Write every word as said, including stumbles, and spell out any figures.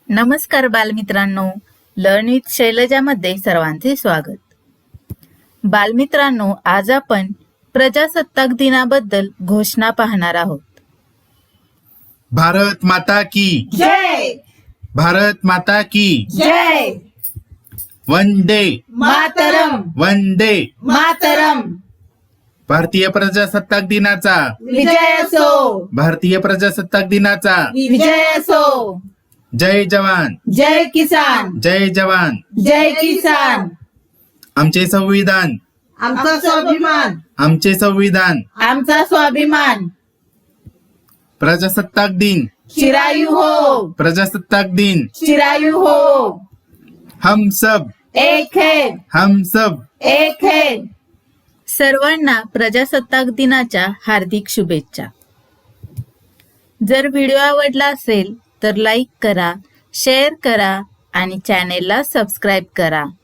नमस्कार बालमित्रांनो, learn with शैलजामध्ये सर्वांचे स्वागत। बालमित्रांनो, आज आपण प्रजासत्ताक दिनाबद्दल घोषणा पाहणार आहोत। भारत माता की जय। भारत माता की जय। वंदे मातरम। वंदे मातरम। भारतीय प्रजासत्ताक दिनाचा विजय असो। भारतीय प्रजासत्ताक दिनाचा विजय असो। जय जवान जय किसान। जय जवान जय किसान। आमचे संविधान आमचा स्वाभिमान। आमचे संविधान आमचा स्वाभिमान। प्रजासत्ताक दिन चिरायू हो। प्रजासत्ताक दिन चिरायू हो। हम सब एक है। हम सब एक है। सर्वांना प्रजासत्ताक दिनाच्या हार्दिक शुभेच्छा। जर व्हिडिओ आवडला असेल तर लाईक करा, शेअर करा आणि चॅनेलला सबस्क्राईब करा।